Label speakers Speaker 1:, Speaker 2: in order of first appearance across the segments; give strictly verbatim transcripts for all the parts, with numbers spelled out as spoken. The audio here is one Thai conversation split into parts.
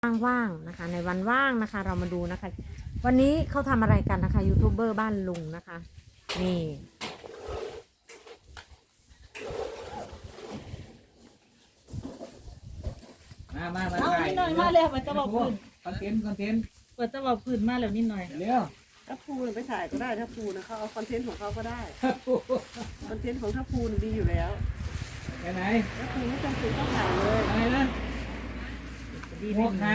Speaker 1: ว่างๆนะคะในวันว่างนะคะเรามาดูนะคะวันนี้เขาทำอะไรกันนะคะยูทูบเบอร์บ้านลุงนะคะนี่
Speaker 2: มามามา
Speaker 3: เอา
Speaker 2: ถ่าย
Speaker 3: นิดหน่อยมาเลยเปิดตะบอกพื้น
Speaker 2: คอนเทนต์คอนเทนต์
Speaker 3: เปิดตะบอกพื้นมาแล้วนิดหน่อย
Speaker 2: เร็ว
Speaker 4: ถ้าภูเนี่ยไปถ่ายก็ได้ถ้าภูนะเขาเอาคอนเทนต์ของเขาก็ได้คอนเทนต์ของถ้าภูเนี่ยดีอยู่แล้ว
Speaker 2: ไปไหน
Speaker 4: ถ้าภูไม่จำเป็นต้องถ่ายเลย
Speaker 2: อะไรนะหมวกหาย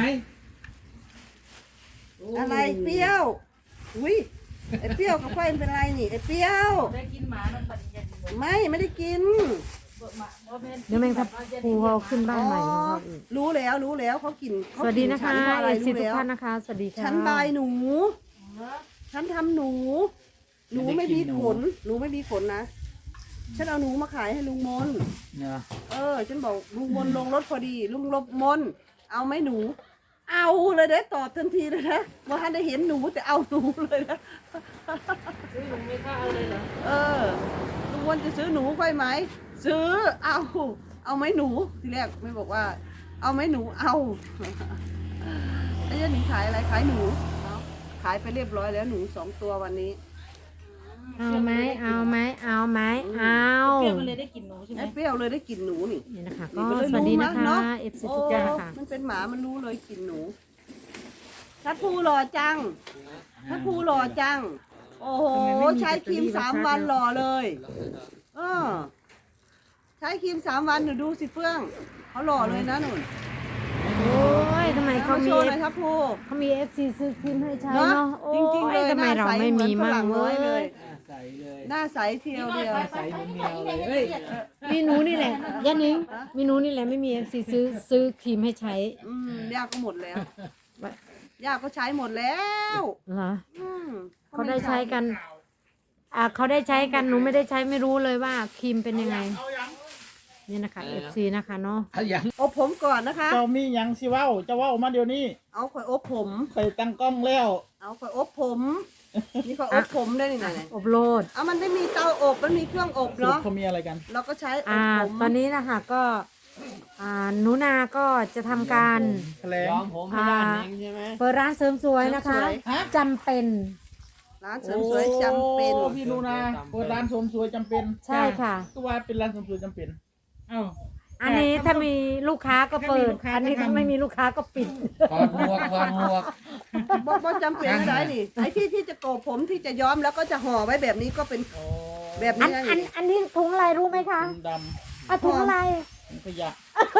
Speaker 4: อะไรเปรี้ยวอุ้ยไอ้เปรี้ยวกับไฟมันเป็นอะไรนี่ไอ้เปรี้ยว
Speaker 3: ได้กินหมามันปัดเย็น
Speaker 4: ไม่ไม่ได้กิน
Speaker 1: เดี๋ยวแมงทับภูเขาขึ้นบ้านใหม่ของเขาอีก
Speaker 4: รู้แล้วรู้แล้วเขากิน
Speaker 1: ส
Speaker 4: เขา
Speaker 1: วัสดี
Speaker 4: กิน
Speaker 1: นะคะ
Speaker 4: ฉัเพราะอะไร
Speaker 1: เอซี
Speaker 4: รู้
Speaker 1: ทุก
Speaker 4: แล้ว
Speaker 1: ท่านนะคะสวัสดีค่ะ
Speaker 4: ฉันบายหนู ฉันทำหนู หนูไม่มีขนหนูไม่มีขนนะฉันเอาหนูมาขายให้ลุงมน
Speaker 2: เนาะ
Speaker 4: เออฉันบอกลุงมนลงรถพอดีลุงลบมนเอาไหมหนู เอาเลยเด้ตอบทันทีเลยนะว่าท่านได้เห็นหนูแต่เอาหนูเลยนะ
Speaker 3: ซื้อหนูไม่กล้าเอาเลยเหรอ
Speaker 4: เออลุงมนจะซื้อหนูค่อยไหมซื้อเอาเอาไหมหนูทีแรกไม่บอกว่า เอาไหมหนูเอาไอ้ยันหนีขายอะไรขายหนูขายไปเรียบร้อยแล้วหนูสองตัววันนี้
Speaker 1: เอาไหมเอาไหมเอาไหมเอา
Speaker 3: เปรี้ยวมันเลยได้กินหนูใช่ไหม
Speaker 4: ไอ้เปรี้ยวเลยได้กลินหนูนี่
Speaker 1: นี่นะคะ
Speaker 4: นี่
Speaker 1: ก็
Speaker 4: มันเลย
Speaker 1: สวัสดี
Speaker 4: รู้
Speaker 1: นะ
Speaker 4: นะคะ เนาะ
Speaker 1: เอฟซีทุกท่านนะคะ
Speaker 4: มันเป็นหมามันรู้เลยกลินหนูทัดภูหล่อจังทัดภูหล่อจัง โอ้โหใช้ครีมสามวันหล่อเลยเออใช้ครีมสามวันหนูดูสิเฟื่องเขาหล่อเลยนะหนุน
Speaker 1: โอ้ยทำไมเขา
Speaker 4: เขาโช
Speaker 1: มี
Speaker 4: ว์หน่อยทัดภู
Speaker 1: เขามีเอฟซีซื้อครีมให้ใช้
Speaker 4: เนาะ
Speaker 1: เนาะโอ้
Speaker 4: จริงๆเลย
Speaker 1: ยทำไมเราไม่มีมั่ง
Speaker 4: ห
Speaker 1: เล
Speaker 4: น้าใสเหมือนฝรั่งน้อยเลย
Speaker 1: ย
Speaker 2: ใส่เลย
Speaker 4: หน้าใสเทียวเดียว
Speaker 2: ใส่เนียวเลยเฮ้ย
Speaker 1: มีหนูนี่แหละยันนิงมีหนูนี่แหละไม่มีเอฟซีซื้อซื้อครีมให้ใช้
Speaker 4: อืมย่าก็หมดแล้วย่าก็ใช้หมดแล้ว
Speaker 1: เหรอ
Speaker 4: อืม
Speaker 1: เขาได้ใช้กัน อ่าเขาได้ใช้กันหนูไม่ได้ใช้ไม่รู้เลยว่าครีมเป็นยังไงนี่นะคะเอฟซีนะคะเนาะ
Speaker 2: ถ้าอย่าง
Speaker 4: อบผมก่อนนะคะ
Speaker 5: เจ้ามีหยังสิเว้าเจะเว้ามาเดี๋ยวนี้
Speaker 4: เอาข่อยอบผม
Speaker 5: เคยตั้งกล้องแล้ว
Speaker 4: เอาข่อยอบผม นี่ข่อยอบผมได้นี่ไหน
Speaker 1: อบโลด
Speaker 4: เอามันไม่มีเตาอบ มันมีเครื่องอบ
Speaker 5: สรุป
Speaker 4: เนาะ
Speaker 5: เขามีอะไรกัน
Speaker 4: เราก็ใช้อบ
Speaker 1: อ่า
Speaker 4: ผม
Speaker 1: ตอนนี้นะคะก็อ่าหนูนาก็จะทำการ
Speaker 5: แถลง
Speaker 1: อ่าเปิดร้านเสริมสวยนะคะจำเป็น
Speaker 4: ร้านเสริมสวยจำเป็น
Speaker 5: โอ้พี่นูนาเปิดร้านเสริมสวยจำเป็น
Speaker 1: ใช่ค่ะ
Speaker 5: ตัวเป็นร้านเสริมสวยจำเป็น
Speaker 3: เอ้า
Speaker 1: อันนี้ถ้ามีลูกค้าก็เปิด
Speaker 3: ถ้ามีลูกค้า
Speaker 1: อันนี้
Speaker 3: ก็
Speaker 1: ถ้า
Speaker 3: ทำ
Speaker 1: ไม่มีลูกค้าก็ปิด
Speaker 2: ถอดหมวกถอดหมวก
Speaker 4: บ่บ่จำเป็นอะไรนี่ ไอ้ที่ที่จะโกบผมที่จะย้อมแล้วก็จะห่อไว้แบบนี้ก็เป็น
Speaker 5: โอ้
Speaker 4: แบบ
Speaker 1: อัน
Speaker 4: นี้นะ
Speaker 1: อัน
Speaker 4: นี่
Speaker 1: อันนี้ถุงอะไรรู้ไหมคะ
Speaker 5: ถุงด
Speaker 1: อ่ะถุงอะไร
Speaker 5: ำถุงขยะ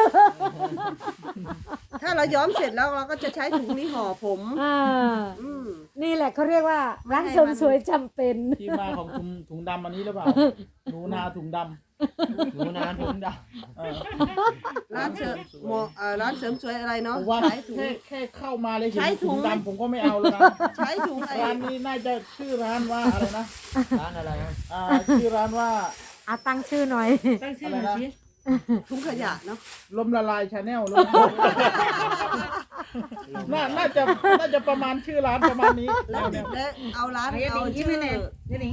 Speaker 4: ถ้าเราย้อมเสร็จแล้วเราก็จะใช้ถุงนี้ห่อผม
Speaker 1: อ่า
Speaker 4: อืม
Speaker 1: นี่แหละเขาเรียกว่าร้านเสริมสวยจำเป็น
Speaker 5: ที่มาของถุงถุงดำอันนี้หรือเปล่าหนูนาถุงดำ
Speaker 2: หนูนาถุงด
Speaker 5: เออ
Speaker 4: ร้านเสริมหมอเอ่อร้านเสริมสวยอะไรเนาะ
Speaker 5: ผมว่า
Speaker 4: ใช้ถุง
Speaker 5: แค่แค่เข้ามาเลยเห็น
Speaker 4: ใช้ถุ
Speaker 5: ถุ
Speaker 4: ง
Speaker 5: งดำผมก็ไม่เอาแล้วนะ
Speaker 4: ใช้ถุงไอ้
Speaker 5: ร้านนี้น่าจะชื่อร้านว่าอะไรนะ
Speaker 2: ร้านอะไรครับ
Speaker 5: อ่าชื่อร้านว่า
Speaker 1: อ่ะตั้งชื่อหน่อย
Speaker 3: ตั้งชื่อหน่อยสิ
Speaker 4: ถุงขยะเนาะ
Speaker 5: ลมละลายชาแนลลมน่าน่าจะน่าจะประมาณชื่อร้านประมาณนี้
Speaker 4: แล้วและเอาร้าน
Speaker 3: เอาอย่า
Speaker 4: เอา
Speaker 3: หนิงยิ้ม
Speaker 4: ชื่อ
Speaker 3: ให้แน่อย่าหนิง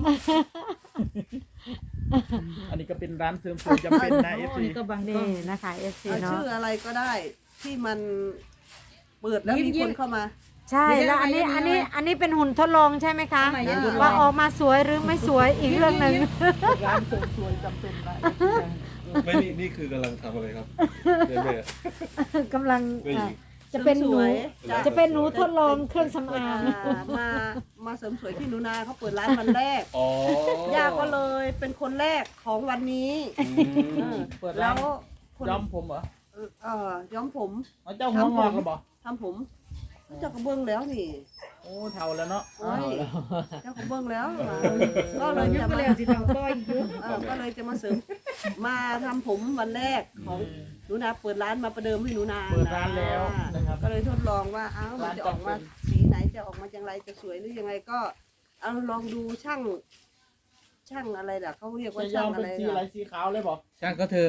Speaker 5: อันนี้ก็เป็นร้านเสริมสวยจำเป็นนะเอฟ
Speaker 3: โอ้
Speaker 5: ซี
Speaker 3: นี่ก็บังกล้
Speaker 1: นี่
Speaker 3: อง
Speaker 1: นะคะเอฟซี
Speaker 4: เอา
Speaker 1: เนาะ
Speaker 4: ชื่ออะไรก็ได้ที่มันเปิดแล้ว
Speaker 3: ยิ้ม
Speaker 4: มี
Speaker 3: ยิ้
Speaker 4: ค
Speaker 3: ม
Speaker 4: นเข้ามา
Speaker 1: ใช่แล้วอันนี้อันนี้อันนี้เป็นหุ่นทดลองใช่ไหมคะ
Speaker 3: ทำไมยังทดลอง
Speaker 1: ว่าออกมาสวยหรือไม่สวยอีกเรื่องหนึ่ง
Speaker 5: ร้านเสริมสวยจำเป็นนะ
Speaker 6: ไม่นี่นี่คือกำลังทำอะไรครับเรื่อย
Speaker 1: กำลัง
Speaker 6: ไม่
Speaker 1: อ่ะจะเป็นหนู
Speaker 4: สวยจ้ะ
Speaker 1: จะเป็นหนูทดลองเครื่องสำอาง
Speaker 4: อ่ามามาเสริมสวยที่หนูนาเขาเปิดร้านวันแรก
Speaker 6: ๆอ๋อย่
Speaker 4: าก็เลยเป็นคนแรกของวันนี้
Speaker 6: อืม
Speaker 4: เออ
Speaker 5: เปิด
Speaker 4: แล้
Speaker 5: ร้าน
Speaker 4: วคน
Speaker 5: ย้อมผมเหรอ
Speaker 4: เออเออย้อมผม
Speaker 5: เอาเจ้าหัวงอกหรือเปล่า
Speaker 4: ทำผมเจ้ากระเบื้องแล้วนี่
Speaker 5: โอ้เท่าแล้วเนาะ
Speaker 4: โอ้ยเจ้ากระเบื้องแล้วก็เลย
Speaker 3: ยุบ
Speaker 4: จะ
Speaker 3: ไป
Speaker 4: มา
Speaker 3: แล้วสิทำก้อยยุบ
Speaker 4: เออก็เลยจะมาเสริมมาทำผมวันแรกของหนูนาเปิดร้านมาประเดิมให้หนูนา
Speaker 5: เปิดร้านแล้วนะครับ
Speaker 4: ก็เลยทดลองว่าอ้าวมันจะออกมาสีไหนจะออกมาอย่างไรจะสวยหรือยังไงก็เอาลองดูช่าง ช่างอะไรล่ะเขาเรียกว่า
Speaker 5: จะย้
Speaker 4: ช่า
Speaker 5: อง ม
Speaker 4: อะ
Speaker 5: เป็น
Speaker 4: ไร
Speaker 5: สีอะไร
Speaker 4: ล่ะ
Speaker 5: สีขาวเลยบอก
Speaker 2: ช่างก็เถอะ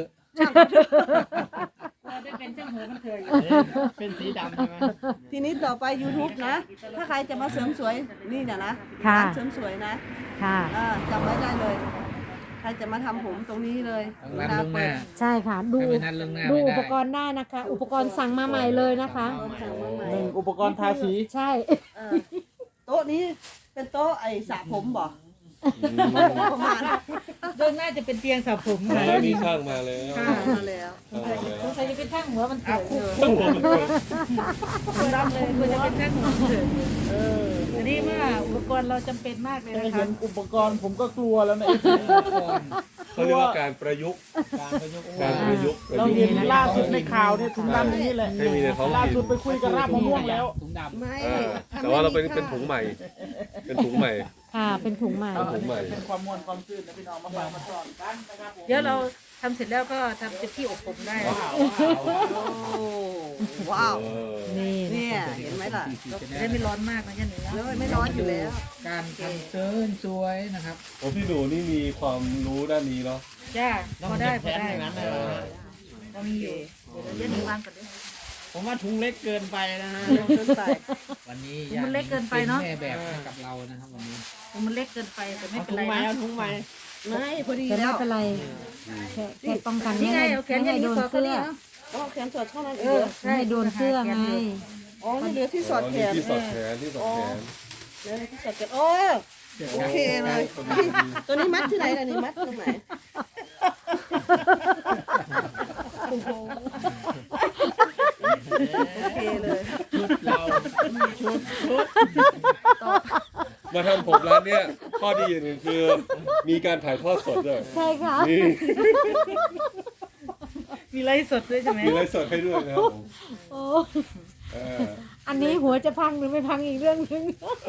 Speaker 3: เราได้เป็นเจ้าหัวมันเถยอยู่
Speaker 5: เป็นสีดำใช่ไหม
Speaker 4: ทีนี้ต่อไป YouTube นะ ถ้าใครจะมาเสริมสวยนี่เนี่ยนะ
Speaker 1: ค่ะ
Speaker 4: ร้านเสริมสวยนะ
Speaker 1: ค่ะ
Speaker 4: อ่าจำไว้ได้เลยรจะมาทำผมตรงนี้เลย
Speaker 2: ต้องนัดล่วงหน้า
Speaker 1: ใช่ค่ะ ดู
Speaker 2: ถ้าไม่นัดล่วงหน้า
Speaker 1: ดู
Speaker 2: ไม่
Speaker 1: อุ
Speaker 2: ได้
Speaker 1: ปกรณ์ได้นะคะ อุปกรณ์สั่งมาใหม่เลยนะคะ
Speaker 4: สั่งมาใหม่
Speaker 5: หนึ่งอุปกรณ์ทาสี
Speaker 1: ใช่
Speaker 4: เออโต๊ะนี้เป็นโต๊ะไอ้สระผมบ่ประมาณ
Speaker 3: เบื้องหน้าจะเป็นเตียงสระผม
Speaker 6: มา
Speaker 3: ค่ะ
Speaker 6: แล้วมีช่างมาแล้ว
Speaker 4: มาแล้ว
Speaker 6: ช่างมาแล้ว
Speaker 3: สงสัยจะเป็นช่างหัวมันเถิดอยู่
Speaker 6: ช่างผมเป็นคน
Speaker 3: คุณรับเลยคุณจะเป็นช่างหัวมันเถิดอยู่เอออันนี้เมื่ออุปกรณ์เราจำเป็นมากเลย
Speaker 5: แค่
Speaker 3: นะ
Speaker 5: เห็
Speaker 3: คะ
Speaker 5: นอุปกรณ์ผมก็กลัวแล้วนะ
Speaker 6: เขาเรียกว่าการประยุกต์
Speaker 5: การประยุกต์
Speaker 6: การประยุกต์ประ
Speaker 5: เรา
Speaker 6: ยุกต์
Speaker 5: เห็นล่าสุดในข่าวเนี่ยถุงดำอย่างนี้แหละ
Speaker 6: ให้มีในท้อง
Speaker 5: ล่า
Speaker 6: ถิ่น
Speaker 5: สุดไปคุยกับรากมะม่วงแล้ว
Speaker 2: ถุงดำ
Speaker 4: ไม่
Speaker 6: อ่าแต่ว่าเราเป็นเป็นถุงใหม่ เป็นถุงใหม่
Speaker 1: ค่ะเป็นถุงใหม่
Speaker 6: เอาถุงใหม่
Speaker 5: เป็นความมวลความซื่นนะพี่น้องมาฝากมาสอนกันนะครับผม
Speaker 3: เดี๋ยวเราทำเสร็จแล้วก็ทำเป็นที่อบผมได้
Speaker 5: ว้าว
Speaker 4: โอ้ว้าว
Speaker 6: เออ
Speaker 1: นี่นะ
Speaker 4: เนี่ยเห็นไหมล่ะ
Speaker 3: จะได้ไม่ร้อนมากนะยันหนึ่งนะ
Speaker 4: แล้วไม่ร้อนอยู่แล้ว
Speaker 2: การทำเซิร์นสวยนะครับ
Speaker 6: โอ้พี่หนูนี่มีความรู้ด้านนี้เนาะ
Speaker 3: จ้าพอได้พอได้
Speaker 2: อย่างนั้นเลยนะ
Speaker 3: เรามีอยู่เดี๋ยวยันหนึ่งวางก่อนดิ
Speaker 2: ผมว่าถุงเล็กเกินไปนะฮะ
Speaker 4: เร็วเกินไป
Speaker 2: วันนี้
Speaker 3: มันเล็กเกินไปเนอะ
Speaker 2: แม่แบบให้กับเรานะครับวันนี้
Speaker 3: มันเล็กเกินไปแต่ไม่เป็นไรนะ
Speaker 4: ไม่พอดี
Speaker 1: แต่
Speaker 4: แล้
Speaker 1: ไม่
Speaker 4: ว
Speaker 1: เป็นไรแค่แค่ป้องกัน
Speaker 3: นี่
Speaker 1: ไม่
Speaker 3: ไง
Speaker 1: ให้
Speaker 3: เอาแขน
Speaker 1: ไม่
Speaker 3: ยัน
Speaker 1: ให้
Speaker 3: นี้
Speaker 1: โดน
Speaker 3: สอดก็
Speaker 1: เสื้อ
Speaker 3: ดีเนาะ
Speaker 4: อ๋อแขนสอดเท่านั้น
Speaker 3: เอ
Speaker 4: เอ
Speaker 3: อ
Speaker 4: ง
Speaker 1: ไม่ให้โดนเสื้อไง
Speaker 4: อ๋อนี่เหลือที่สอดแขน
Speaker 6: ที่สอดแขนที่สอดแขน
Speaker 4: เหลือที่สอดแขนโอ้โอเคเลยตัวนี้มัดที่ไหนล่ะนี่มัดตรงไหนโอ้โหโอเคเลย
Speaker 2: ชุดเราชุดชุด
Speaker 6: มาทำผมร้านเนี้ยข้อดีอย่างหนึ่งคือ มีการถ่ายทอดสดด้วย
Speaker 1: ใช่ค่ะ
Speaker 6: นี่
Speaker 3: มีไลฟ์สดด้วยใช่ไหม
Speaker 6: มีไลฟ์สดให้ด้วยนะครับผม
Speaker 1: โอ้
Speaker 6: เออ
Speaker 1: อันนี้หัวจะพังหรือไม่พังอีกเรื่องหนึง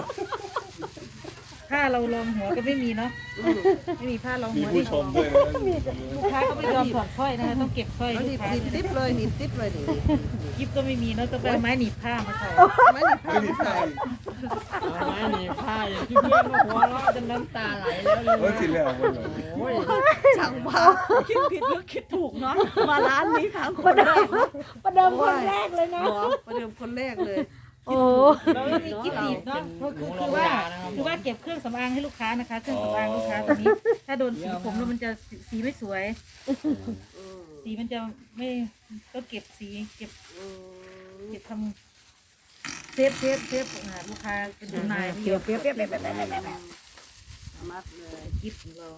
Speaker 3: ผ้าเราลองหัวก็ไม่มีเนาะไม่มีผ้ารอง
Speaker 6: มี
Speaker 3: หัว
Speaker 6: ผู้
Speaker 3: ที่
Speaker 6: ชมด้วยนะ
Speaker 3: ลูกค้าก็ไม่ยอมถอดสร้อยนะคะต้องเก็บสร้อย
Speaker 4: เอาห
Speaker 3: ลู
Speaker 4: นี
Speaker 3: ก
Speaker 4: บ
Speaker 3: ค้า
Speaker 4: หนีบติ๊บเลยหนีบติ๊บเลยนี่
Speaker 3: ยิบก็ไม่มีเนาะต้องไปเอาไม้หนีบผ้ามาใส่
Speaker 4: ไม่หนีบผ้า
Speaker 6: ไม่มีใคร
Speaker 2: เอาไม้หนีบผ้าอย่างที่เพื่อนมาหัวเราะจนน้ำตาไหลแล้วเลย
Speaker 6: เฮ้ยสิแล้วมันเหรอ
Speaker 2: โอ้ย
Speaker 4: ช่างภาพคิดผิดหรือคิดถูกเนาะมาร้านนี้ครั้งคนแรก
Speaker 1: ประเดิมคนแรกเลยนะ
Speaker 4: หรอประเดิมคนแรกเลย
Speaker 1: โอ้
Speaker 3: เราไม่มีกิ๊บหนีบเนาะคือคือคือว่าคือว่าเก็บเครื่องสำอางให้ลูกค้านะคะ เครื่องสำอางลูกค้าตัวนี้ ถ้าโดนสีผมแล้วมันจะสีสีไม่สวย สีมันจะไม่ก็เก็บสีเก็บเก็บทำเซฟเซฟเซฟอ่าลูกค้าเป็นนาย
Speaker 1: เปรี้ยวเปรี้ยวเปรี้ยวเปรี้ยวเปรี้ยวเปรี้ยวเปรี้ยว
Speaker 4: มัดเลย
Speaker 3: กิ๊บของเรา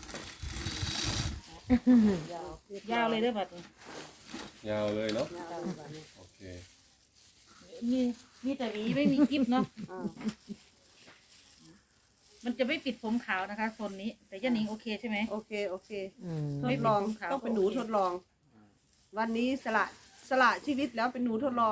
Speaker 3: ยาวเลยเด้อบัดนี้
Speaker 6: ยาวเลยเนาะโอเค
Speaker 3: มีมีแต่หวีไม่มีกิ๊บเนาะ
Speaker 4: อ่า
Speaker 3: มันจะไม่ปิดผมขาวนะคะโซนนี้ แต่ย่านิงโอเคใช่ไหม
Speaker 4: โอเคโอเค
Speaker 1: อืม
Speaker 4: ทดลองต้องเป็นหนูทดลอง วันนี้สละสละชีวิตแล้วเป็นหนูทดลอง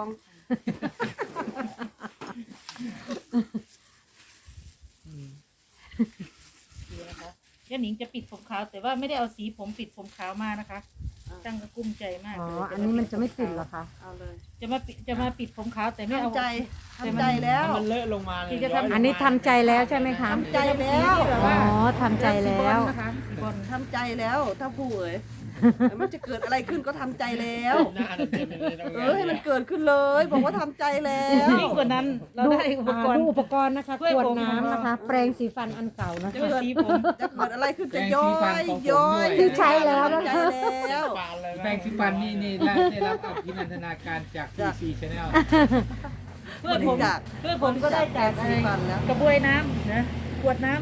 Speaker 3: ดีนะคะย่านิงจะปิดผมขาว แต่ว่าไม่ได้เอาสีผมปิดผมขาวมานะคะจังก็กุ้มใจมาก
Speaker 1: อ๋อ
Speaker 3: เลย
Speaker 1: อันนี้มันจะไม่ติดเหรอคะ
Speaker 4: เอาเลย
Speaker 3: จะมาปิดจะมาปิดผมขาวแต่ไม่เอา
Speaker 4: ทำใจทำใจแล้ว
Speaker 2: มันเลอะลงมาเลย
Speaker 1: อันนี้ทำใจแล้วใช่ไหมคะ
Speaker 4: ทำใจแล้ว
Speaker 1: อ๋อทำใจแล้ว
Speaker 3: นะคะสีบอล
Speaker 4: ทำใจแล้วถ้าผู้เอ๋ยแต่มันจะเกิดอะไรขึ้นก็ทำใจแล้ว
Speaker 2: หน้าเต็มเลย
Speaker 4: เออให้มันเกิดขึ้นเลย บอกว่าทำใจแล้ว
Speaker 3: ยิ่งกว่านั้นเรา
Speaker 1: ดู
Speaker 3: ได้อุป
Speaker 1: อ่าก
Speaker 3: รณ์
Speaker 1: ดูอุปกรณ์นะคะ
Speaker 3: ช่วย
Speaker 1: ขวด
Speaker 3: ผม
Speaker 1: น้ำนะคะ แปรงสีฟันอันเก่านะ
Speaker 3: จะ
Speaker 1: คะ
Speaker 3: เป็นสีผม
Speaker 4: จะเกิดอะไรขึ้นจะย้อยย้อย
Speaker 1: ใช่แล้วนะ
Speaker 4: ทำใจ
Speaker 1: คะ
Speaker 4: แล้ว
Speaker 2: แป้งสีฟันนี่นี่ได้ได้รับอภินันทนาการจาก ที ซี Channel
Speaker 3: เพื่อนผม
Speaker 4: จาก
Speaker 3: เพื่อนผมก็ได้จาก
Speaker 4: สีฟันแล้ว
Speaker 3: กระบวยน้ำนะขวดน้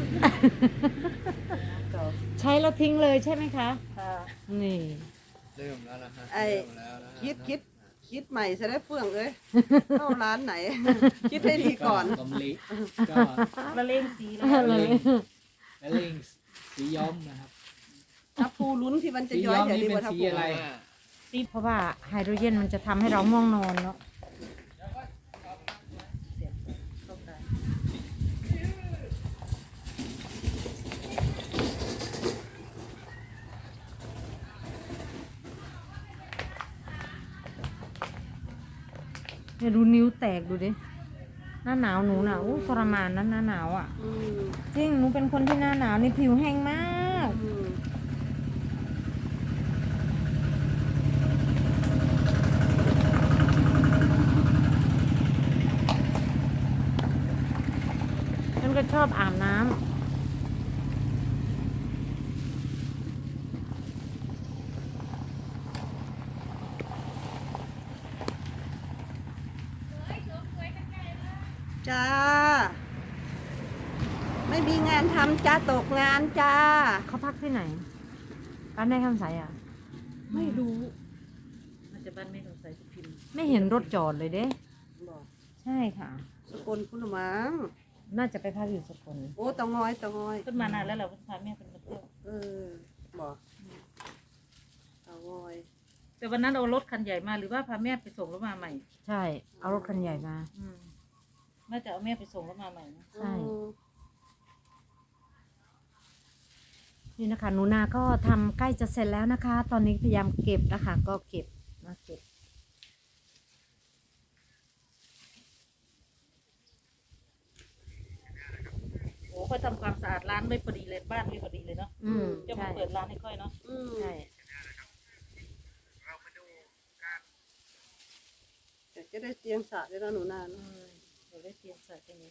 Speaker 1: ใช้แล้วทิ้งเลยใช่ไหมคะ
Speaker 3: ำค่ะ
Speaker 1: นี่
Speaker 2: เริ่มแล้วนะฮะ
Speaker 4: ไอ้
Speaker 2: เริ่มแล้วนะฮะ
Speaker 4: คิดคิดคิดใหม่จะได้เฟื่องเอ้ยเข้าร้านไหน คิดให้ดีก่อน
Speaker 2: กำลิก็
Speaker 3: ละเลงสีแล้ว
Speaker 1: เลย
Speaker 2: และลิงสีย้อมนะครับ
Speaker 4: ถ้าภูลุ้นที่มันจะ
Speaker 2: สี
Speaker 4: ย้อย
Speaker 2: ย้อม
Speaker 4: อย่า
Speaker 2: นี่
Speaker 4: ดี
Speaker 2: เป็
Speaker 4: กว่าน ถ้า
Speaker 2: สี
Speaker 4: ภู
Speaker 2: อะไร
Speaker 1: เพราะว่าไฮโดรเจนมันจะทำให้เราง่วงนอนเนาะ เนี่ยดูนิ้วแตกดูดิ หน้าหนาวหนูหนาวทรมานนะหน้าหนาวอ่ะ
Speaker 4: อืม
Speaker 1: จริง หนูเป็นคนที่หน้าหนาวนี่ผิวแห้งมาก
Speaker 4: อืม
Speaker 1: ฉันก็ชอบอาบน้ำ
Speaker 4: จ้า ไม่มีงานทำจ้าตกงานจ้า
Speaker 1: เขาพักที่ไหนบ้านแม่คำใสอ่ะ
Speaker 4: ไม่รู้
Speaker 3: มันจะบ้านไม่ต้องใส่พิมพ์
Speaker 1: ไม่เห็นรถจอดเลยเด้
Speaker 4: บอก
Speaker 1: ใช่ค่ะ
Speaker 4: สกลคุณมัง
Speaker 1: น่าจะไปพักอยู่สกล
Speaker 4: โอ้เตางอยเตางอย
Speaker 3: ขึ้นมานานแล้วเราพาแม่เป็นมาเที่ยว
Speaker 4: เออบอกเตางอย
Speaker 3: แต่วันนั้นเอารถคันใหญ่มาหรือว่าพาแม่ไปส่งแล้วมาใหม่
Speaker 1: ใช่ เอารถคันใหญ่มา
Speaker 3: อืมน่าจะเอาแม่ไปส่งแล้วมาใหม่นะ
Speaker 1: ใช่
Speaker 4: อืม
Speaker 1: นี่นะคะหนูนาก็ทำใกล้จะเสร็จแล้วนะคะ ตอนนี้พยายามเก็บนะคะ ก็เก็บมาเก็บ
Speaker 3: โอ้ค่อยทำความสะอาดร้านไม่พอดีเลยบ้านไม่พอดีเลยเนาะ
Speaker 1: อืม
Speaker 3: จะมา
Speaker 1: ใช่
Speaker 3: เปิดร้านให้ค่อยเนาะ
Speaker 4: อืม
Speaker 1: ใช่
Speaker 4: เดี๋ยวจะได้เตียงสระด้วยนะหนูนา
Speaker 3: อื
Speaker 4: เนอะ
Speaker 3: มเดี๋ยวได้เตรียมใส่ตรงนี้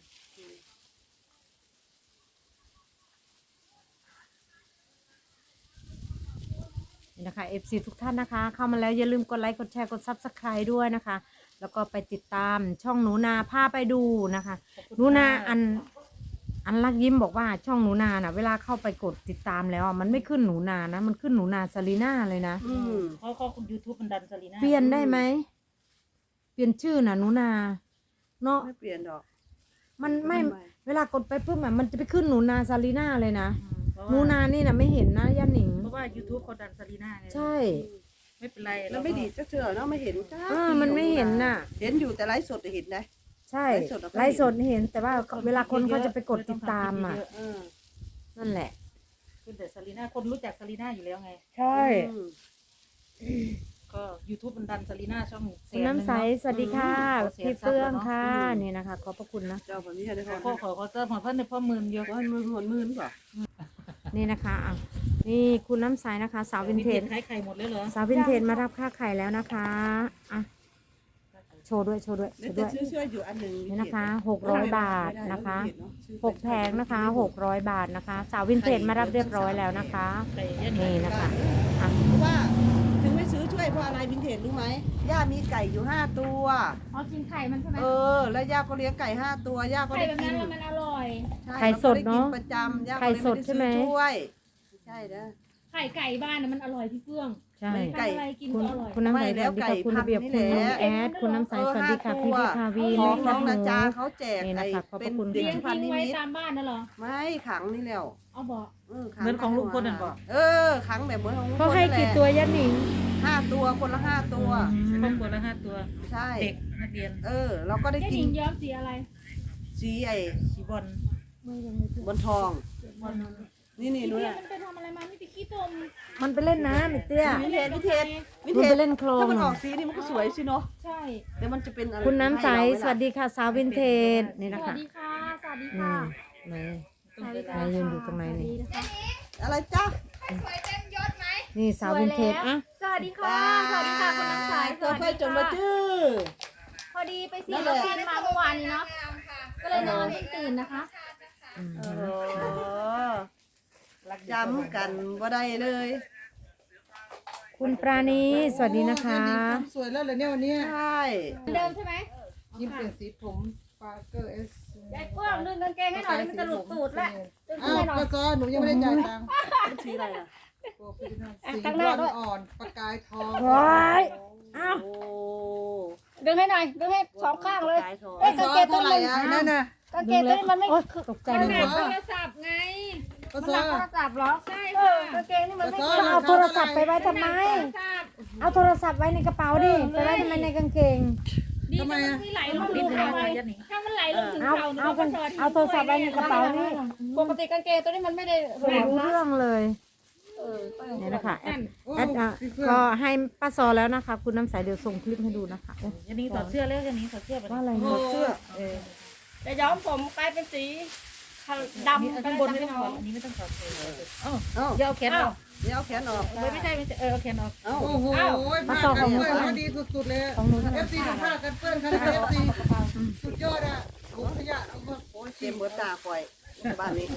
Speaker 1: นี่นะคะ เอฟ ซี ทุกท่านนะคะ เข้ามาแล้วอย่าลืมกดไลค์กดแชร์กด ซับสไครบ์ ด้วยนะคะ แล้วก็ไปติดตามช่องหนูนาพาไปดูนะคะ
Speaker 3: ขอบคุณ
Speaker 1: หนูนา
Speaker 3: ค่ะ
Speaker 1: อันอันลักยิ้มบอกว่าช่องหนูนาน่ะ เวลาเข้าไปกดติดตามแล้วอ่ะมันไม่ขึ้นหนูนานะ มันขึ้นหนูนาซาลีน่าเลยนะ
Speaker 4: อืม
Speaker 3: เพราะเขายูทูบมันดันซาลีน่า
Speaker 1: เปลี่ยนได้ไหมเปลี่ยนชื่อน่ะหนูนาเนาะ
Speaker 4: ไม่เปลี่ยนดอก
Speaker 1: มันไม่
Speaker 4: ทำไม
Speaker 1: เวลากดไปปุ๊บอ่ะมันจะไปขึ้นหนูนาซาลีน่าเลยนะ
Speaker 3: อืมเพราะ
Speaker 1: หนู
Speaker 3: ว่า
Speaker 1: นานี่นะไม่เห็นนะย่าหนิง
Speaker 3: เพราะว่ายูทูบเขาดันซาลีน่าไง
Speaker 1: ใช่
Speaker 3: ไม่เป็นไร
Speaker 4: แล้วไม่ดีจะเจอเนาะไม่เห็นจ้า
Speaker 1: เออมันไม่เห็นน่ะ
Speaker 4: เห็นอยู่แต่ไลฟ์สดเห็นได้
Speaker 1: ใช่
Speaker 4: ไลฟ์สดเราก็เห็น
Speaker 1: ไลฟ์สดเห็น แต่ว่าเวลาคนเขาจะไปกดติดตามอ่ะ
Speaker 4: เออ
Speaker 1: นั่นแหละ
Speaker 3: คือแต่ซาลีน่าคนรู้จักซาลีน่าอยู่แล้วไง
Speaker 1: ใช่
Speaker 4: อืม
Speaker 3: ก็ยูทูบมันดันซาลีน่าช่องแส
Speaker 1: คุณ
Speaker 3: น
Speaker 1: น้ำใสสวัสดีค่ะ
Speaker 3: ขอเสีย
Speaker 1: พี่
Speaker 3: ทรัพย์
Speaker 1: เฟื่อง
Speaker 3: แล้วเนอะ
Speaker 1: ค่ะนี่นะคะขอบพระคุณนะ
Speaker 4: เจ้าแบบนี้ได้พอ
Speaker 3: พ่อขอเขาเติมของเพื่อนในพ่อหมื่นเดียว
Speaker 4: ร้อยมือหนมือหรือเปล่า
Speaker 1: นี่นะคะอ่ะนี่คุณน้ำใสนะคะ สาววินเทจ
Speaker 3: ขายไข่หมดเลยเหรอ
Speaker 1: สาววินเทจมารับค่าไข่แล้วนะคะอ่ะโชว์ด้วยโชว์ด้วยโช
Speaker 4: เดี๋ยว
Speaker 1: ว์
Speaker 4: จะ
Speaker 1: ด้วย
Speaker 4: ซื้อช่วยอยู่อันหนึ่ง
Speaker 1: นี่นะคะหกร้อยบาทนะคะหกแผงนะคะหกร้อยบาทนะคะ สาววินเทจมารับเรียบร้อยแล้วนะคะ
Speaker 3: ไก่เยอะ
Speaker 1: นี่นะคะอ่ะ
Speaker 4: เพราะว่าถึงไม่ซื้อช่วยเพราะอะไรวินเทจรู้ไหมย่ามีไก่อยู่ห้าตัว
Speaker 7: อ๋อกินไข่มันใช่ไหม
Speaker 4: เออ แล้วย่าก็เลี้ยงไก่ห้าตัวย่าก็
Speaker 7: ไข่
Speaker 4: ได้
Speaker 7: แบบ
Speaker 4: กิ
Speaker 7: นั้น นแล้วมันอร่อย
Speaker 4: ใช่
Speaker 1: ไข่สดเนอะ
Speaker 4: รก็ไกิประจำย่าก็
Speaker 1: ไข่
Speaker 4: เลย
Speaker 1: สดใช่ไหม
Speaker 4: ด้ซื้อช่วยใช่นะ
Speaker 7: ไข่ไก่บ้านน่ะมันอร่อยพี่เฟื่อง
Speaker 1: ใช่
Speaker 4: ไก่
Speaker 7: ทำอะไรกิน
Speaker 1: คุณ
Speaker 7: ก็อร่อย
Speaker 1: คุณน้ำใส
Speaker 4: ไม่
Speaker 1: ส
Speaker 4: แล้ว
Speaker 1: วัสดีค่ะ
Speaker 4: ไก่
Speaker 1: คุณระเบียบ
Speaker 4: พั
Speaker 1: คุ
Speaker 4: น
Speaker 1: ณ
Speaker 4: ธุ์นี่
Speaker 1: น้อง
Speaker 4: แหละ
Speaker 1: แอดคุณน้ำใสสวัสดีค่ะพี่พิพาวี
Speaker 4: ขอ
Speaker 1: แม่
Speaker 4: ง
Speaker 1: แค
Speaker 4: น้
Speaker 1: บ
Speaker 4: อง
Speaker 1: หนู
Speaker 4: นาจาเขาแจก
Speaker 1: นี่
Speaker 4: ไอ้
Speaker 1: นะคะขอบพ
Speaker 4: เป็
Speaker 1: ระ
Speaker 4: น
Speaker 1: คุณ
Speaker 4: เด็ก
Speaker 7: เลี้ยง
Speaker 4: พัน
Speaker 7: ทิ้ง
Speaker 4: นิ
Speaker 7: ไว้
Speaker 4: มิต
Speaker 7: ตามบ้านน่ะเหรอ
Speaker 4: ไม่ขังนี่แล้ว
Speaker 7: เอาบอก
Speaker 4: เออขั
Speaker 3: เหมือนของลุงพลนั่นบอก
Speaker 4: เออขังแบบเหมือนของลุงพล
Speaker 1: เขาให้
Speaker 4: นั่นแหละ
Speaker 1: กี่ตัวย่าหนิง
Speaker 4: ห้าตัวคนละห้าตัว
Speaker 3: ครอบครัวละห้าตัว
Speaker 4: ใช่
Speaker 3: เด็กนักเรียน
Speaker 4: เออ เราก็ได้
Speaker 7: แค่
Speaker 4: กิ
Speaker 7: ห
Speaker 4: น
Speaker 7: ญิงย้อมสีอะไร
Speaker 4: สีไอ้
Speaker 3: สีบอล
Speaker 4: บนทอง นี่นี่
Speaker 7: พี่
Speaker 4: นู่น
Speaker 7: เพีย
Speaker 4: น่ะ
Speaker 7: มันไปทำอะไรมาไม่ไปขี้ตม
Speaker 1: มันไปเล่นน้ำไอ้เตี้ย
Speaker 4: วินเทจวินเทจวิน
Speaker 1: มัน
Speaker 4: เท
Speaker 1: ไป
Speaker 4: จ
Speaker 1: เล่นโคลน
Speaker 4: ถ้ามันออกสีนี่มันก็สวยสิเนาะ
Speaker 7: ใช่
Speaker 4: แต่มันจะเป็นอะไร
Speaker 1: คุณน้ำใส
Speaker 4: ให้เราไหมล่ะ
Speaker 1: สวัสดีค่ะ สาววินเทจนี่
Speaker 7: ส
Speaker 1: นะ
Speaker 7: วั
Speaker 1: คะ
Speaker 7: สดีค่ะ สวัสดี
Speaker 1: นี่
Speaker 7: ค่ะ
Speaker 1: ไหน
Speaker 7: สวัสดี
Speaker 1: ไหนยืนอยู่ตรงไหนนี่
Speaker 7: นะคะ
Speaker 4: อะไรจ๊ะ
Speaker 1: นี่สาววินเทจอ่ะ
Speaker 7: สวัสดีค่ะ สวัสดีค่ะคุณน้ำใสส
Speaker 4: เธอ
Speaker 7: วัส
Speaker 4: ค่อย
Speaker 7: ดี
Speaker 4: จนมา
Speaker 7: ค่ะ
Speaker 4: จื้อ
Speaker 7: พอดีไปฉีดวัคซีนมาเมื่อวานนี้เนาะ ก็เลยนอนเพิ่งตื่นนะคะ
Speaker 1: อืม
Speaker 4: เออจำกันบ่ได้เลย
Speaker 1: คุณปราณีสวัสดีนะคะ
Speaker 5: สวยแล้วเลยเนี่ยวันนี้
Speaker 4: ใช่
Speaker 7: เหมือนเดิมใช่ไหม
Speaker 5: ยิ้มเปลี่ยนสีผมปาเกอร์เอส
Speaker 7: ยายเฟื่องดึงกางเกงให้หน่อยมันจะหลุดตูดแล้วดึง
Speaker 5: อ้าว
Speaker 7: ให้หน่อย
Speaker 5: ป้าซอหนูยังไม่ได้จ่ายตังค์
Speaker 4: สีอะไรอ่ะ
Speaker 5: สีบอลอ่อนประกายทอง
Speaker 1: ว้ายอ้าว
Speaker 4: โอ้
Speaker 7: ดึงให้หน่อย ดึงให้สองข้างเลย
Speaker 4: กายทอง
Speaker 7: เอ้ย
Speaker 5: ซ
Speaker 7: กาง
Speaker 5: อ
Speaker 7: เกงตัว
Speaker 5: เท่าไหร่
Speaker 7: นี้
Speaker 5: อ่ะนั่นน่ะ
Speaker 7: กางเกงตัวนี้มันไม่
Speaker 1: โอ๊ยตกใจ
Speaker 7: มัน
Speaker 1: เล
Speaker 7: หนั
Speaker 1: ย
Speaker 7: กโทรศัพท์ไง
Speaker 5: ป้า
Speaker 7: มัน
Speaker 5: ซ
Speaker 7: ห
Speaker 5: อ
Speaker 7: นักโทรศัพท์เหรอ ใช่ค่ะกางเกงนี่มันไม่
Speaker 5: ป้า
Speaker 7: ค่
Speaker 5: ซ
Speaker 7: อย
Speaker 5: อ
Speaker 1: เอาโทรศัพท์ไปไว้ทำไม
Speaker 7: หนักโทรศัพท์
Speaker 1: เอาโทรศัพท์ไว้ในกระเป๋าดิไปไว้ทำไมในกางเกง
Speaker 7: ดีแต่มันไม่ไหลลงถึงเข่าไงถ้ามันไหลลงถึง
Speaker 1: เอา
Speaker 7: เข่าหนู
Speaker 1: เอา
Speaker 7: ก็
Speaker 1: โทร
Speaker 7: พอดี
Speaker 1: เอาโทรศัพท์ไว้ในกระเป๋านี่
Speaker 7: ปกติกางเกงตัวนี้มันไม่ได้
Speaker 1: ไม่รู้เรื่องเลยเนี่ยนะคะแอดแอดอ่ะก็ให้ป้าซอแล้วนะคะ คุณน้ำใสเดี๋ยวส่งคลิปให้ดูนะคะโอ๊ย
Speaker 3: ยันนี้ถอดเสื้อแล้วยันนี้ถอดเสื้อไป
Speaker 1: ว่าอะไร
Speaker 4: โอ้
Speaker 1: เนี่ย
Speaker 4: เสื้อ
Speaker 3: เออ
Speaker 7: จะย้อมผมกลายเป็นสีดำ
Speaker 3: ข้างบนไม่ต้องถอดอันนี้ไม่ต้องถอดเลยเอ้า
Speaker 4: เอ้า
Speaker 3: อย่าเอาแขนออก
Speaker 4: เดี๋ยวเอาแขนออก
Speaker 3: ไม่ไม่ใช่ไม่ใช่เออเอาแขนออก
Speaker 4: เอ้า
Speaker 5: โอ้โหผ้ากันเปื้อนพอดีสุดๆเลย
Speaker 1: ของหนู
Speaker 5: เอฟซีผ้ากันเปื้อนขนาดเอฟซีสุดยอดอ่ะโอ้ขยะเอามาโอ้ย
Speaker 4: เต็มเบิดตาคอยบ้านนี้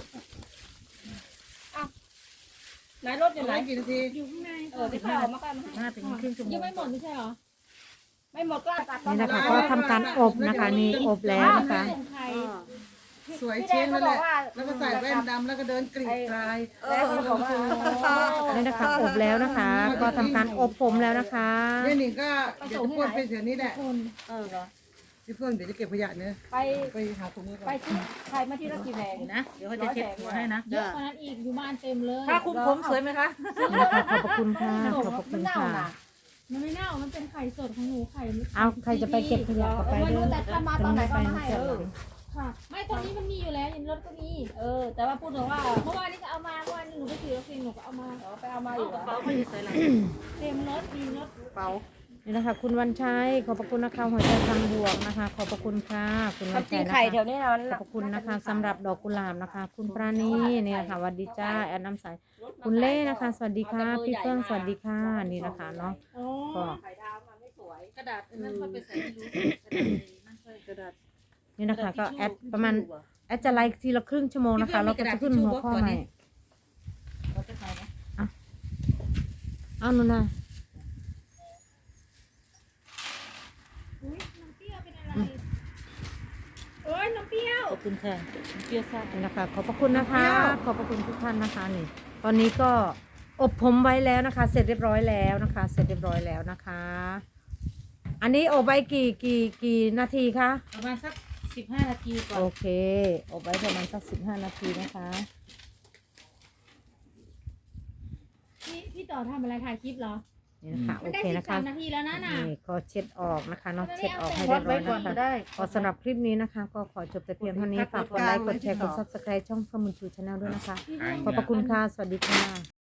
Speaker 7: ไหนรถอยู่ไหน
Speaker 5: ไหนกี่นาที
Speaker 7: อยู่ข้างในเออที่เขาออกมากัน
Speaker 3: ห้าถึงครึ่งชั่วโมง
Speaker 7: ยังไม่หมดไม่ใช่เหรอ ไม่หมดก็ตัด
Speaker 1: นี่นะคะก็ทำการอบนะคะนี่อบแล้วนะคะ
Speaker 7: ส่งใคร
Speaker 5: สวย
Speaker 7: พี่
Speaker 5: เช่น
Speaker 7: แด
Speaker 5: นั่
Speaker 7: ง
Speaker 5: นแห
Speaker 7: เขาบอ
Speaker 5: ละ
Speaker 7: กว่า
Speaker 5: แล้วก็ใส่แว่นดำแล้วก็เดินกรีดกลาย
Speaker 7: แล้วเขาบอกว่า
Speaker 1: นี่นะคะอบแล้วนะคะ ก็ทำการอบผมแล้วนะคะ
Speaker 5: เนี่ยหนิงก็เดี๋ยวจะพ่นไปเดี๋ยวนี้แหละ
Speaker 4: เออ
Speaker 5: พี่เฟื่องเดี๋ยวจะเก็บขยะเนี่ย
Speaker 7: ไป
Speaker 5: ไปหาถุงมือก่
Speaker 7: ไป
Speaker 5: อน
Speaker 7: ซื้อใครมาที่รักกี่แพง
Speaker 3: เดี๋ยวนะเดี๋ยวเขาจะเช็ดหัวให้นะ
Speaker 7: เยอะกว่านั้นอีกอยู่บ้านเต็มเลย
Speaker 3: ผ้าคลุมผมสวยไหมคะ
Speaker 1: นี่นะคะขอบพระคุณค่ะขอบพระคุณค่ะ
Speaker 7: มันไม่เน่ามันเป็นไข่สดของหนูไข่
Speaker 1: เอาใครจะไปเก็บขยะก็ไป
Speaker 7: ไม่
Speaker 1: เด้
Speaker 7: รู้
Speaker 1: อ
Speaker 7: แต่ถ้ามาตอนไหนก็มาให้
Speaker 1: เอ
Speaker 7: เอ
Speaker 1: อ
Speaker 7: อค่ะ ไม่ตอนนี้มันมีอยู่แล้วยันรถก็มี เออ แต่ว่าพูดถึงว่าเมื่อวานนี้ก็เอามาเมื่อวานนี้หนูไปซื้อวัคซีนหนูก็เอามาไปเอามาอยู่
Speaker 3: กระเป๋าเขาอยู่ใส่หลัง
Speaker 7: เต็มรถมีรถ
Speaker 4: เป๋า
Speaker 1: นี่นะคะ คุณวันชัยขอบพระคุณนะคะหัวใจทางบวกนะคะ ขอบพระคุณค่ะคุณวัน
Speaker 7: จริ
Speaker 1: ชั
Speaker 7: ง
Speaker 1: ยนะ
Speaker 7: ไข่แถ
Speaker 1: คะ
Speaker 7: วนี้นะ
Speaker 1: ขอบพระคุณนะคะสำหรับดอกกุหลาบนะคะ คุณปราณีเนี่ยค่ะสวัสดีจ้าแอนน้ำใสคุณเล่นะคะ สวัสดีค่ะพี่เฟื่องสวัสดีค่ะนี่นะคะเนาะก็
Speaker 3: กระดาษนั่นค่อยไปใส่ไม่รู้นั่นค่อยกระดาษ
Speaker 1: นี่นะคะก็แอดประมาณแอดจะไลค์ทีละครึ่งชั่วโมงนะคะแล้วก็จะขึ้นหัวข้อใหม่
Speaker 3: เราจะใส่ไหม
Speaker 1: เอาหนูนะ
Speaker 7: อุ้ยน้ำเปรี้ยวเป็นอะไรโอ้ยน้ำเปรี้ยว
Speaker 3: ขอบคุณค่ะเปรี้ยวซ่า
Speaker 1: นี่นะคะขอบพระคุณนะคะ ขอบพระคุณทุกท่านนะคะนี่ตอนนี้ก็อบผมไว้แล้วนะคะ เสร็จเรียบร้อยแล้วนะคะ เสร็จเรียบร้อยแล้วนะคะ อันนี้อบไว้กี่กี่กี่นาทีคะ
Speaker 3: ประมาณสักสิบห้านาทีก่อน
Speaker 1: โอเคอบไว้ประมาณสักสิบห้านาทีนะคะ
Speaker 7: พี่พี่ต่อทำอะไรถ่ายคลิปเหรอ
Speaker 1: นี่นะคะโอ
Speaker 7: มันได้
Speaker 1: เค
Speaker 7: สิบ
Speaker 1: นะ
Speaker 7: สา
Speaker 1: คะ
Speaker 7: มนาทีแล้วนะน่ะ
Speaker 1: นี่ก็เช็ดออกนะคะเนาะเช็ดออกให้
Speaker 3: วั
Speaker 1: เรี
Speaker 3: ด
Speaker 1: ยบร้
Speaker 3: ไว้
Speaker 1: อย
Speaker 3: ก่อน
Speaker 1: นะคะ
Speaker 3: ก็ได้
Speaker 1: ก็สำหรับคลิปนี้นะคะ ก็ขอจบแต่เพียงเท่านี้ฝากกดไลค์กดแชร์กดซับสไครต์ช่องข้อมูลชูชาแนลด้วยนะคะ ขอบพระคุณค่ะ สวัสดีค่ะ